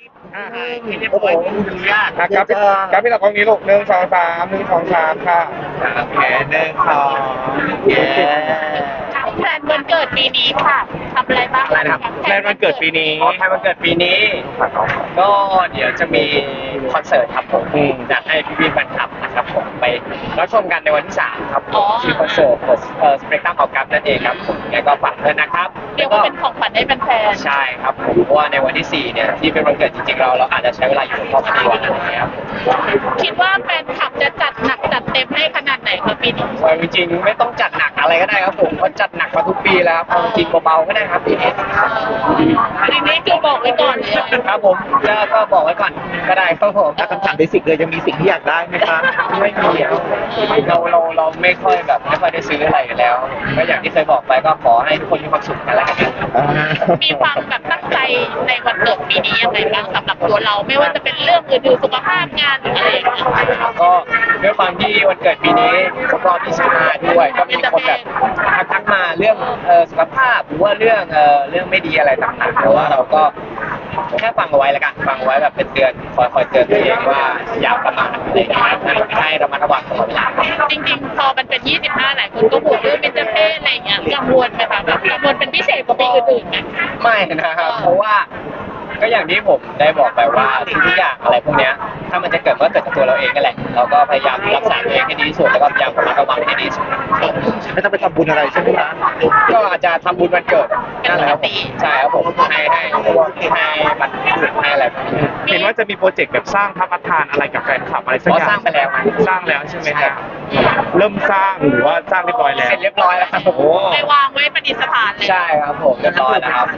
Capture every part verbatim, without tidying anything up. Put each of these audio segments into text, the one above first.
อ่าไม่เรียบร้อยไม่อนุญาตอ่ะครับพี่ครับพี่ตะกล้องนี้ลูกหนึ่งสองสามหนึ่งสองสามค่ะโอเคหนึ่งสองเย้แพลนวันเกิดปีนี้ค่ะทำอะไรบ้างอะไรนะครับแพลนวันเกิดปีนี้อ๋อใครวันเกิดปีนี้ ก็เดี๋ยวจะมีคอนเสิร์ตครับผมอืมอยากให้พี่ๆแฟนคลับนะครับผมไปรับชมกันในวันที่สามครับผมที่คอนเสิร์ตเอ่อสเปกตรัมออกัสนั่นเองครับผมยังไงก็ฝากด้วยนะครับเรียกว่าเป็นของขวัญให้แฟนใช่ครับผมเพราะว่าในวันที่สี่เนี่ยที่เป็นวันเกิดจริงๆเราเราอาจจะใช้เวลาอยู่กับครอบครัวอะไรอย่างเงี้ยครับๆคิดว่าแฟนคลับจะจัดหนักจัดเต็มให้ขนาดไหนคะปีนี้วันจริงๆไม่ต้องจัดหนักอะไรก็ได้ครับผมเพราะจัดหนักมาทุกปีแล้วครับเอาจริงเบาๆก็ได้ครับปีนี้ปีนี้คือบอกไว้ก่อนเลยครับผมจะก็บอกไว้ก่อนก็ได้ครับผมคำถามเบสิกเลยยังมีสิ่งที่อยากได้ไหมคะไม่มีครับเราเราเราไม่ค่อยแบบไม่ค่อยได้ซื้ออะไรกันแล้วก็อย่างที่เคยบอกไปก็ขอให้ทุกคนมีความสุขกันแล้วกันครับมีความแบบตั้งใจในวันเกิดปีนี้ยังไงบ้างสำหรับตัวเรา ไม่ว่าจะเป็นเรื่องอื่นๆสุขภาพงานหรืออะไรอย่างเงี้ยก็ด้วยความที่วันเกิดปีนี้ครบรอบยี่สิบห้าด้วยก็มีคนแบบทักทักมาเรื่องเอ่อสุขภาพหรือว่าเรื่องเอ่อเรื่องไม่ดีอะไรต่างๆแต่ว่าเราก็แค่ฟังเอาไว้แล้วกันฟังเอาไว้แบบเป็นเตือนคอยคอยเตือนตัวเองว่าอย่าประมาทอะไรอย่างเงี้ยให้ระมัดระวังตลอดเวลาจริงๆ พอมันเป็น ยี่สิบห้า หลายคนก็ห่วงเรื่องเบญจเพศอะไรอย่างเงี้ยกังวลไหมคะแบบกังวลเป็นพิเศษกว่าปีอื่นๆไหมไม่นะครับเพราะว่าก็อย่างที่ผมได้บอกไปว่าทุกอย่างอะไรพวกเนี้ยถ้ามันจะเกิดก็เกิดจากตัวเราเองนั่นแหละเราก็พยายามรักษาตัวเองให้ดีที่สุดแล้วก็พยายามระมัดระวังให้ดีที่สุดไม่ต้องไปทำบุญอะไรใช่ไหมคะก็อาจจะทำบุญวันเกิดนั่นแหละครับผมใช่ครับผมให้ให้ให้มันให้อะไรแบบนี้เห็นว่าจะมีโปรเจกต์แบบสร้างพระประธานอะไรกับแฟนคลับอะไรสักเพอราะย่างสร้างไปแล้วมันสร้างแล้วใช่ไหมใช่คะเริ่มสร้างหรือว่าสร้างเรียบร้อยแล้วเสร็จเรียบร้อยแล้วครับผมโอ้ไปวางไว้ประดิษฐานเลยใช่ครับผมเรียบร้อยแล้วครับ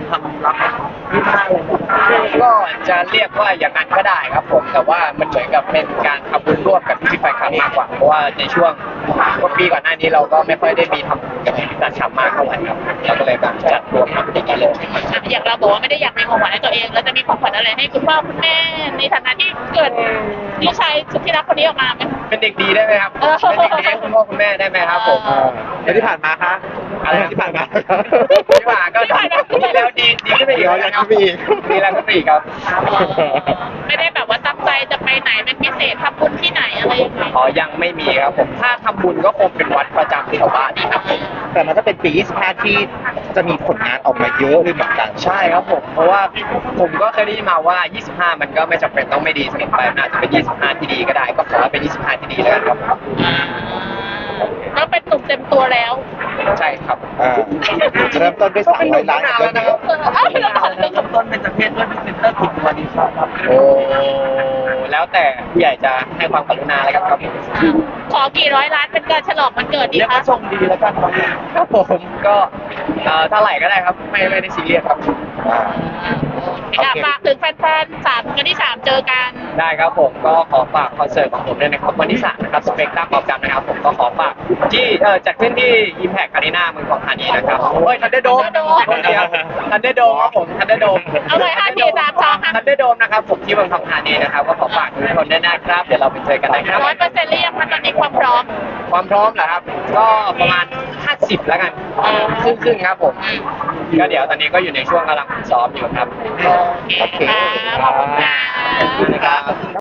ก็จะเรียกว่าอย่างนั้นก็ได้ครับผมแต่ว่ามันเหมือนกับเป็นการทำบุญร่วมกับพี่ๆแฟนคลับมากกว่าเพราะว่าในช่วงกว่าปีก่อนหน้านี้เราก็ไม่ค่อยได้มีทำบุญกับพี่ๆแฟนคลับมากเท่าไหร่ครับเราก็เลยแบบจัดรวมทำอย่างนี้เลยอ่ะอย่างเราบอกว่าไม่ได้อยากมีของขวัญให้ตัวเอง แล้วจะมีของขวัญอะไรให้คุณพ่อคุณแม่ในฐานะที่เกิดลูกชายสุดที่รักคนนี้ออกมาไหมเป็นเด็กดีได้ไหมครับเออเป็นเด็กดีให้คุณพ่อคุณแม่ได้ไหมครับผมอ่าแล้วที่ผ่านมาคะอะไรนะที่ผ่านมาที่ผ่านก็ดีแล้วดีดีขึ้นไปอีกอ๋อยังขึ้นไปอีกดีแล้วขึ้นไปอีกครับไม่ได้แบบว่าตั้งใจจะไปไหนเป็นพิเศษทำบุญที่ไหนอะไรยังไงอ๋อยังไม่มีครับผมถ้าทำบุญก็คงเป็นวัดประจำแถวบ้านนี่ครับผมแต่มันก็เป็นปียี่สิบห้าที่จะมีผลงานออกมาเยอะเลยเหมือนกันใช่ครับผมเพราะว่าผมก็เคยได้ยินมาว่า ยี่สิบห้า มันก็ไม่จำเป็นต้องไม่ดีเสมอไปมันอาจจะเป็น ยี่สิบห้า ที่ดีก็ได้ก็ขอให้เป็น ยี่สิบห้า ที่ดีแล้วกันครับก็เป็นหนุ่มเต็มตัวแล้วใช่ครับอ่าเริ่มต้นด้วยสามร้อยล้านก็เป็นหนุ่มตั้งนานแล้วนะครับเออเอ้าเราบอกเลยเริ่มต้นเป็นประเภทด้วยพรีเซนเตอร์คุณวันนี้ครับโอ้แล้วแต่ผู้ใหญ่จะให้ความกรุณาแล้วกันครับขอกี่ร้อยล้านเป็นการฉลองวันเกิดดีเรียกคะว่าชงดีแล้วกันครับผมก็เอ่อเท่าไหร่ก็ได้ครับไม่ไม่ได้ซีเรียสครับอ่าอยากฝากถึงแฟนๆสามวันที่สามเจอกันได้ครับผมก็ขอฝากคอนเสิร์ตของผมด้วยนะครับวันที่สามนะครับสเปกตรัมออกกันนะครับผมก็ขอฝากที่เอ่อจัดขึ้นที่ Impact Arena เมืองทองธานีนะครับเฮ้ยทันเดอร์โดม Thunderdome คนเดียวทันเดอร์โดมครับผมทันเดอร์โดมเอาเลยห้าสี่สามสองค่ะทันเดอร์โดมนะครับผมที่เมืองทองธานีนะครับก็ขอฝากทุกคนด้วยนะครับเดี๋ยวเราไปเจอกันนะครับร้อยเปอร์เซ็นต์หรือยังคะตอนนี้ความพร้อมความพร้อมเหรอครับ ก็ประมาณห้าสิบแล้วกันครึ่งครึ่งๆครับผมก็เดี๋ยวตอนนี้ก็อยู่ในช่วงกำลังฝึกซ้อมอยู่ครับโอเคค่ะขอบคุณค่ะขอบคุณนะครับ